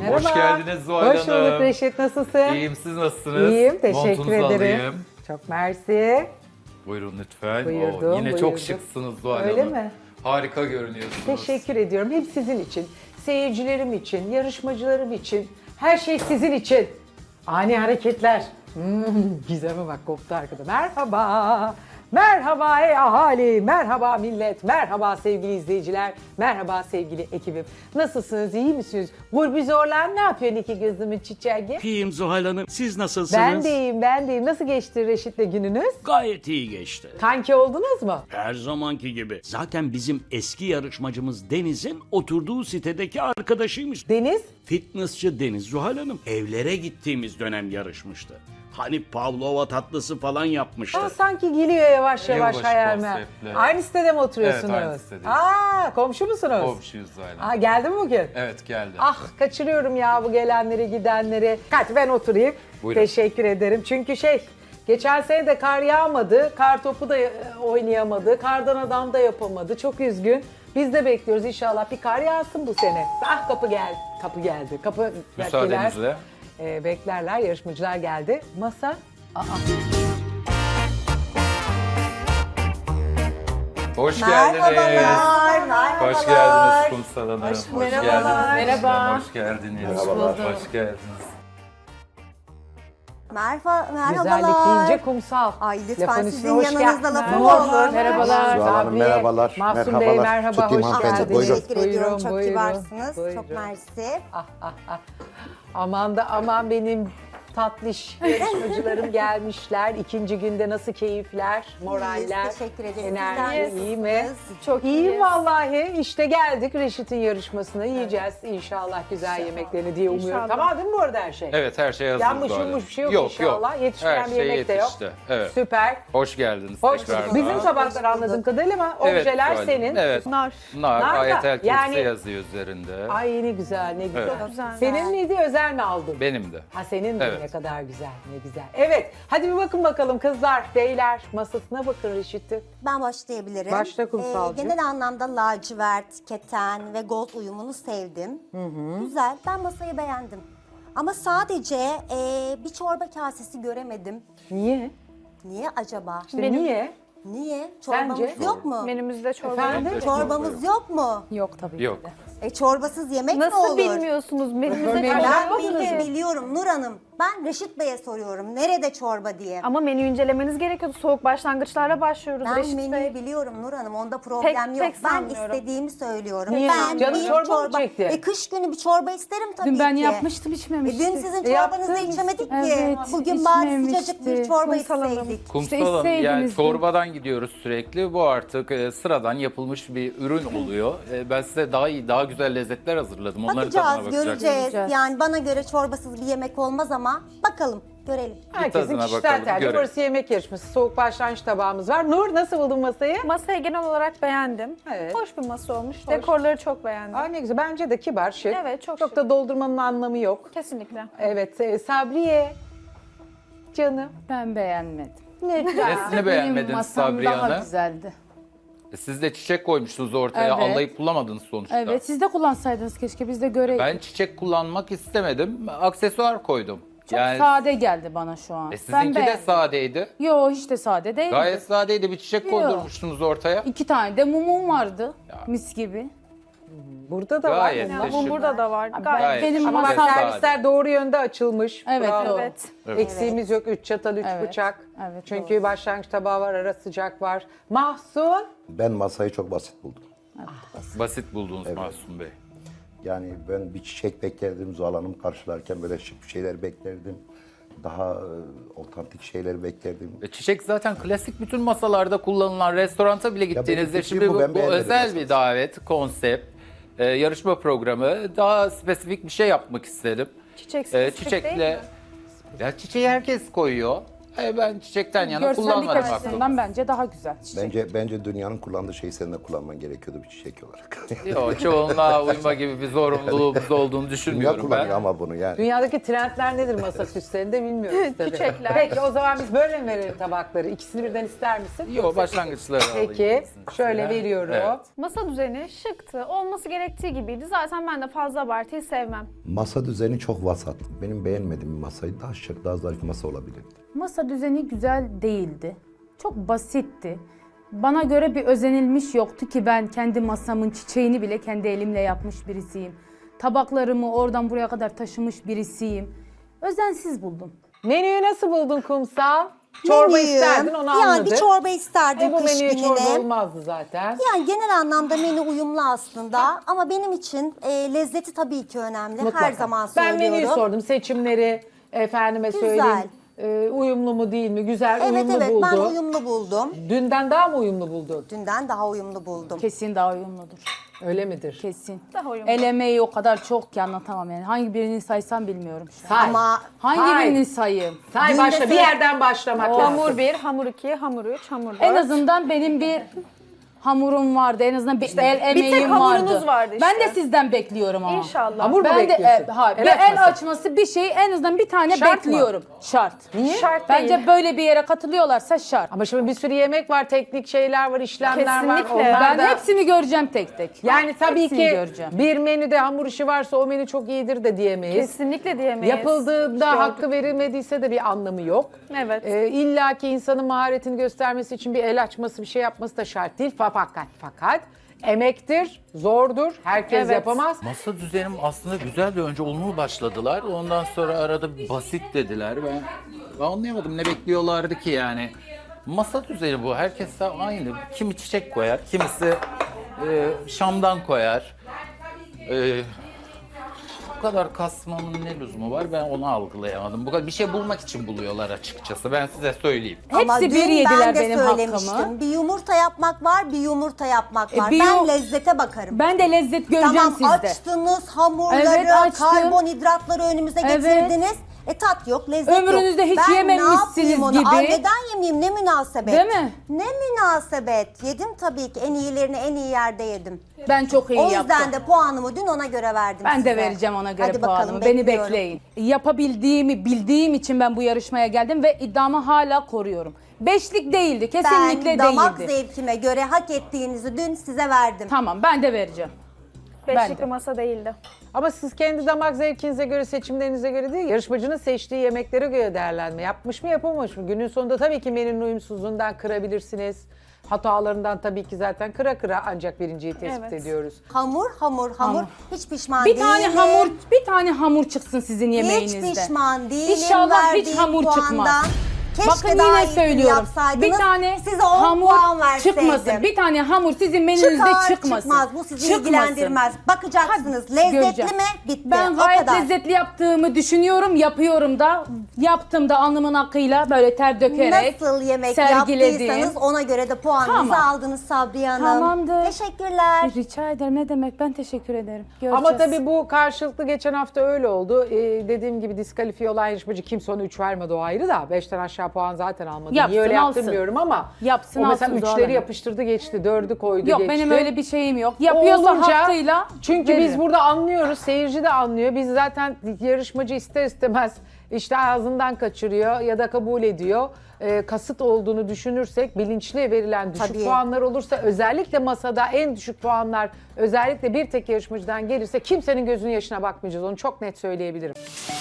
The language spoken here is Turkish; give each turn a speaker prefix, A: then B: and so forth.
A: Merhaba.
B: Hoş geldiniz Zuhal Hanım.
A: Hoş bulduk Reşit, nasılsın?
B: İyiyim, siz nasılsınız?
A: İyiyim, teşekkür
B: Montunuzu
A: ederim.
B: alayım.
A: Çok mersi.
B: Buyurun lütfen.
A: Buyurdum,
B: Yine çok
A: buyurdum.
B: şıksınız Zuhal
A: Öyle
B: Hanım.
A: mi?
B: Harika görünüyorsunuz.
A: Teşekkür ediyorum. Hep sizin için, seyircilerim için, yarışmacılarım için, her şey sizin için. Ani hareketler. Gizem'e bak koptu arkada. Merhaba. Merhaba ey ahali, merhaba millet, merhaba sevgili izleyiciler, merhaba sevgili ekibim. Nasılsınız, iyi misiniz? Gurbi zorlan ne yapıyorsun iki gözümün çiçeği?
C: İyiyim Zuhal Hanım. Siz nasılsınız?
A: Ben de iyiyim, ben de iyiyim. Nasıl geçti Reşit'le gününüz?
C: Gayet iyi geçti.
A: Kanki oldunuz mu?
C: Her zamanki gibi. Zaten bizim eski yarışmacımız Deniz'in oturduğu sitedeki arkadaşıymış.
A: Deniz?
C: Fitnessçi Deniz Zuhal Hanım. Evlere gittiğimiz dönem yarışmıştı. Hani Pavlova tatlısı falan yapmıştı.
A: Sanki geliyor yavaş yavaş
B: Yılbaşı
A: hayalime.
B: konseptli.
A: Aynı sitede mi oturuyorsunuz?
B: Evet, aynı sitedeyiz.
A: Komşu musunuz?
B: Komşuyuz Zuhal Hanım.
A: Geldi mi bugün?
B: Evet geldi.
A: Ah kaçırıyorum ya bu gelenleri gidenleri. Hadi ben oturayım.
B: Buyurun.
A: Teşekkür ederim. Çünkü geçen sene de kar yağmadı. Kar topu da oynayamadı. Kardan adam da yapamadı. Çok üzgün. Biz de bekliyoruz inşallah bir kar yağsın bu sene. Ah kapı geldi. Kapı geldi. Kapı
B: Müsaadenizle.
A: beklerler. Yarışmacılar geldi. Masa.
B: Hoş geldiniz.
D: Merhabalar.
B: Hoş geldiniz Kumsal Hanım. Hoş
D: Merhabalar.
B: geldiniz.
D: Merhaba.
B: Hoş geldiniz. Hoş geldiniz.
D: Merhabalar.
A: Güzellik deyince kumsal.
D: Ay lütfen
A: Lafın
D: sizin
A: üstüne hoş
D: yanınızda
A: geldin.
D: lafım
A: Merhaba.
D: olur.
A: Merhabalar.
E: Zuhal Hanım,
A: Sabriye,
E: merhabalar.
A: Mahsun Bey
E: Merhabalar.
A: merhaba.
E: Tutayım
A: Hoş
E: hanımefendi,
A: geldiniz.
E: buyurun.
D: Teşekkür ediyorum. Çok
A: Buyurun,
D: kibarsınız.
A: buyurun.
D: Çok mersi.
A: Aman da aman benim tatlış yarışmacılarım gelmişler. İkinci günde nasıl keyifler, moraller,
D: İyiyiz, teşekkür ederiz.
A: enerji
D: Sizler
A: iyi mi?
D: nasılsınız?
A: Çok iyiyim vallahi. İşte geldik Reşit'in yarışmasına. Yiyeceğiz inşallah güzel yemeklerini diye umuyorum. Tamam değil mi bu arada her şey?
B: Evet her şey hazır
A: Yanmış
B: Zuhal Hanım.
A: yummuş bir şey yok, inşallah. Yetişmeyen
B: Her
A: bir
B: şey
A: yemek de yok.
B: yetişti. Evet.
A: Süper.
B: Hoş geldiniz
A: Hoş
B: tekrar.
A: bulduk. Bizim tabaklar anladığım kadarıyla ama
B: Evet,
A: objeler
B: Zuhal Hanım.
A: senin.
B: Evet.
A: Nar
B: Nar,
A: da,
B: ayetel kürsi
A: yani-
B: yazıyor üzerinde.
A: Ay ne güzel, ne güzel.
B: Evet.
D: Çok güzel.
A: Senin miydi, özel mi aldın?
B: Benim de.
A: Ha senin de
B: Evet.
A: ne kadar güzel, ne güzel. Evet, hadi bir bakın bakalım kızlar, beyler masasına bakın Reşit'in.
D: Ben başlayabilirim.
A: Başla Kumsalcığım.
D: Genel anlamda lacivert, keten ve gold uyumunu sevdim. Güzel. Ben masayı beğendim. Ama sadece bir çorba kasesi göremedim.
A: Niye?
D: Niye acaba?
A: İşte niye?
D: Niye? Çorbamız
A: Sence?
D: yok mu?
F: Menümüzde çorba
A: Efendim?
F: yok.
D: Çorbamız yok mu?
F: Yok tabii
B: Yok.
F: ki de.
D: Çorbasız yemek mi olur?
F: Nasıl bilmiyorsunuz? Menümüzde
A: Örneğin
F: çorba
D: Ben
F: yok ki.
D: biliyorum Nur Hanım. Ben Reşit Bey'e soruyorum. Nerede çorba diye.
F: Ama menü incelemeniz gerekiyordu. Soğuk başlangıçlarla başlıyoruz
D: Ben
F: Reşit
D: menüyü
F: Bey.
D: biliyorum Nur Hanım. Onda problem yok.
F: pek
D: Ben
F: sanmıyorum.
D: istediğimi söylüyorum.
A: Niye?
D: Ben
A: Canın
D: bir
A: çorba mı çekti?
D: Kış günü bir çorba isterim tabii
G: Dün ben
D: ki.
G: yapmıştım içmemiştim.
D: Dün sizin
A: Yaptın
D: çorbanızı
A: mı?
D: içemedik ki.
G: Evet,
D: Bugün bari
G: içmemişti.
D: sıcacık bir çorba
F: Kumsal Hanım.
D: içseydik.
B: Kumsal Hanım, yani
G: isteydiniz
B: çorbadan gidiyoruz sürekli. Bu artık sıradan yapılmış bir ürün oluyor. Ben size daha iyi, daha güzel lezzetler hazırladım. Onların tadına
D: Bakacağız,
B: bakacaksınız.
D: göreceğiz. Yani bana göre çorbasız bir yemek olmaz ama bakalım, görelim.
A: Herkesin
B: tadına
A: kişisel
B: bakalım,
A: tercihi.
B: görelim.
A: Burası yemek yarışması, soğuk başlangıç tabağımız var. Nur nasıl buldun masayı?
F: Masayı genel olarak beğendim.
A: Evet.
F: Hoş bir masa olmuş. Dekorları çok beğendim.
A: Aa ne güzel, bence de kibar, şık.
F: Evet, çok
A: Çok
F: şık.
A: da doldurmanın anlamı yok.
F: Kesinlikle.
A: Evet, Sabriye. Canım.
G: Ben beğenmedim.
B: Nesini
G: Benim
B: beğenmediniz
G: masam
B: Sabriye
G: daha
B: Hanım?
G: güzeldi.
B: Siz de çiçek koymuştunuz ortaya.
G: Evet.
B: Allayıp bulamadınız sonuçta.
G: Evet, siz de kullansaydınız keşke biz de göreydik.
B: Ben çiçek kullanmak istemedim. Aksesuar koydum.
G: Çok sade geldi bana şu an.
B: Sizinki de
G: beğendim.
B: sadeydi.
G: Yo hiç de sade değildi.
B: Gayet sadeydi. Bir çiçek
G: Yok.
B: koydurmuştunuz ortaya.
G: 2 tane de mumum vardı. Mis gibi.
A: Burada da
B: Gayet
A: var.
B: de
F: Bu
B: şık.
F: burada da var.
B: Gayet
F: Gayet.
B: şık
G: Benim
A: Ama
B: ve
A: bak
G: masam-
B: sade.
A: servisler doğru yönde açılmış.
G: Evet,
A: Bravo.
F: Evet.
A: Eksiğimiz yok. 3 çatal, 3
G: Evet,
A: bıçak.
G: evet,
A: Çünkü başlangıç tabağı var, ara sıcak var. Mahsun.
E: Ben masayı çok basit buldum.
B: Basit buldunuz Masum Bey.
E: Yani ben bir çiçek beklerdim Zuhal Hanım karşılarken böyle şık bir şeyler beklerdim. Daha otantik şeyler beklerdim.
B: Çiçek zaten klasik bütün masalarda kullanılan, restoranta bile gittiğinizde
E: benim
B: şimdi
E: fikrim bu,
B: bu,
E: ben
B: bu
E: beğenmedim
B: özel
E: aslında.
B: bir davet, konsept, yarışma programı. Daha spesifik bir şey yapmak istedim.
F: Çiçek spesifik değil mi?
B: Ya çiçeği herkes koyuyor. Ben çiçekten yana
G: Görsellik
B: kullanmadım aklımda.
G: açısından bence daha güzel. Çiçek.
E: Bence dünyanın kullandığı şeyi senin de kullanman gerekiyordu bir çiçek olarak.
B: Yok, çoğunluğa uyma gibi bir zorunluluğumuz olduğunu
E: Dünya
B: düşünmüyorum
E: kullanıyor
B: ben.
E: ama bunu yani.
A: Dünyadaki trendler nedir masa süslerinde bilmiyoruz tabii.
F: Çiçekler.
A: Peki o zaman biz böyle mi verelim tabakları? İkisini birden ister misin?
B: Yok, başlangıçları alayım.
A: Peki şöyle veriyorum.
B: Evet.
F: Masa düzeni şıktı. Olması gerektiği gibiydi. Zaten ben de fazla abartıyı sevmem.
E: Masa düzeni çok vasat. Benim beğenmediğim bir masaydı. Daha şık, daha zarif bir masa olabilirdi.
G: Masa düzeni güzel değildi. Çok basitti. Bana göre bir özenilmiş yoktu ki ben kendi masamın çiçeğini bile kendi elimle yapmış birisiyim. Tabaklarımı oradan buraya kadar taşımış birisiyim. Özensiz buldum.
A: Menüyü nasıl buldun Kumsal? Çorba
D: Menüyü,
A: isterdin onu
D: yani
A: anladık.
D: bir çorba isterdim
A: Bu
D: kış
A: menüye çorba
D: gününe.
A: olmazdı zaten.
D: Yani genel anlamda menü uyumlu aslında ama benim için lezzeti tabii ki önemli.
A: Mutlaka.
D: Her zaman
A: Ben
D: söylüyorum.
A: menüyü sordum. Seçimleri efendime
D: Güzel.
A: söyleyeyim. Uyumlu mu değil mi? Güzel,
D: Evet
A: uyumlu
D: evet
A: buldu.
D: ben uyumlu buldum.
A: Dünden daha mı uyumlu buldun?
D: Dünden daha uyumlu buldum.
G: Kesin daha uyumludur.
A: Öyle midir?
G: Kesin.
F: Daha uyumlu.
G: El emeği o kadar çok ki anlatamam yani. Hangi birini saysam bilmiyorum şu an.
A: Say.
D: Ama
G: Hangi
A: Say.
G: birini sayayım?
A: Say
D: Dün
A: başla.
D: de
A: Bir
D: sen-
A: yerden başlamak lazım.
F: Hamur 1, hamur 2, hamur 3, hamur 4.
G: En azından benim bir hamurum vardı. En azından bir el emeğim
F: hamurunuz vardı işte.
G: Ben de sizden bekliyorum ama.
F: İnşallah.
A: Hamur mu
G: Ben de
A: bekliyorsun?
G: hayır,
A: El
G: bir el
A: açması.
G: açması bir şey en azından bir tane
A: Şart mı?
G: bekliyorum. Şart.
A: Niye?
F: Şart
G: Bence
F: değil.
G: böyle bir yere katılıyorlarsa şart.
A: Ama şimdi bir sürü yemek var, teknik şeyler var, işlemler var.
F: Kesinlikle.
A: Onlar
G: Ben
A: da-
G: hepsini göreceğim tek tek.
A: Yani tabii
G: Hepsini
A: ki
G: göreceğim.
A: bir menüde hamur işi varsa o menü çok iyidir de diyemeyiz.
F: Kesinlikle diyemeyiz.
A: Yapıldığında
F: Gördük.
A: hakkı verilmediyse de bir anlamı yok.
F: Evet.
A: İlla ki insanın maharetini göstermesi için bir el açması, bir şey yapması da şart değil. Fakat emektir, zordur, herkes
F: Evet.
A: yapamaz.
B: Masa düzenim aslında güzeldi. Önce olumlu başladılar. Ondan sonra arada bir basit dediler. Ben anlayamadım ne bekliyorlardı ki yani. Masa düzeni bu. Herkes de aynı. Kimi çiçek koyar, kimisi şamdan koyar. Bu kadar kasmanın ne lüzumu var, ben onu algılayamadım. Bu kadar bir şey bulmak için buluyorlar açıkçası. Ben size söyleyeyim.
D: Ama
G: Hepsi
D: dün
G: bir yediler
D: ben de
G: benim
D: söylemiştim.
G: hakkımı.
D: Bir yumurta yapmak var, bir yumurta yapmak var.
G: bir
D: Ben
G: yu-
D: lezzete bakarım.
G: Ben de lezzet göreceğim
D: Tamam
G: sizde.
D: açtınız hamurları,
G: Evet, açtım.
D: karbonhidratları önümüze
G: Evet.
D: getirdiniz. Tat yok, lezzet yok.
G: Ömrünüzde hiç
D: Ben
G: yememişsiniz
D: ne yapayım onu?
G: gibi.
D: Ay, neden yemeyeyim? Ne münasebet.
G: Değil mi?
D: Ne münasebet. Yedim tabii ki. En iyilerini en iyi yerde yedim.
G: Ben çok iyi
D: O
G: yaptım.
D: yüzden de puanımı dün ona göre verdim
G: Ben
D: size.
G: de vereceğim ona göre
D: Hadi bakalım,
G: puanımı. Beni
D: bekliyorum.
G: bekleyin. Yapabildiğimi bildiğim için ben bu yarışmaya geldim ve iddiamı hala koruyorum. Beşlik değildi, kesinlikle
D: Ben damak
G: değildi.
D: zevkime göre hak ettiğinizi dün size verdim.
G: Tamam, ben de vereceğim.
F: Beşlik
G: ben de.
F: bir masa değildi.
A: Ama siz kendi damak zevkinize göre, seçimlerinize göre değil, yarışmacının seçtiği yemeklere göre değerlendirme yapmış mı, yapamamış mı? Günün sonunda tabii ki menünün uyumsuzluğundan kırabilirsiniz. Hatalarından tabii ki zaten kıra ancak birinciyi tespit
F: Evet.
A: ediyoruz.
D: Hamur. Hiç pişman
G: Bir
D: değilim.
G: tane hamur çıksın sizin yemeğinizde.
D: Hiç pişman değilim.
G: İnşallah hiç
D: verdiğim
G: hamur
D: puandan.
G: çıkmaz.
D: Keşke
G: Bakın
D: daha
G: yine
D: iyisini
G: söylüyorum.
D: yapsaydınız.
G: Bir tane
D: size 10
G: hamur
D: puan verseydim.
G: çıkmasın. Bir tane hamur sizin menünüzde çıkmasın.
D: Çıkmaz. Bu sizi
G: Çıkmasın.
D: ilgilendirmez. Bakacaksınız. Lezzetli
G: Göreceğim.
D: mi? Bitti.
G: Ben
D: O
G: gayet
D: kadar.
G: lezzetli yaptığımı düşünüyorum, yapıyorum da. Yaptım da alnımın akıyla böyle ter dökerek
D: Nasıl yemek
G: sergiledim.
D: yaptıysanız ona göre de puanınızı
G: Tamam.
D: aldınız Sabriye Hanım.
G: Tamamdır.
D: Teşekkürler.
G: Rica ederim, ne demek, ben teşekkür ederim. Göreceğiz.
A: Ama tabii bu karşılıklı geçen hafta öyle oldu. Dediğim gibi diskalifiye olan yarışmacı kimse ona 3 vermedi, o ayrı da. 5'ten aşağı puan zaten almadı.
G: Yapsın,
A: Niye öyle yaptım
G: alsın.
A: bilmiyorum ama.
G: Yapsın,
A: o mesela
G: alsın,
A: 3'leri
G: zorlama.
A: yapıştırdı geçti, 4'ü koydu
G: Yok,
A: geçti.
G: benim öyle bir şeyim yok. Yapıyorsa
A: Olunca-
G: hakkıyla
A: Çünkü biz
G: veririm.
A: burada anlıyoruz, seyirci de anlıyor. Biz zaten yarışmacı ister istemez işte ağzından kaçırıyor ya da kabul ediyor. Kasıt olduğunu düşünürsek, bilinçli verilen düşük
D: Tabii.
A: puanlar olursa, özellikle masada en düşük puanlar özellikle bir tek yarışmacıdan gelirse kimsenin gözünün yaşına bakmayacağız. Onu çok net söyleyebilirim.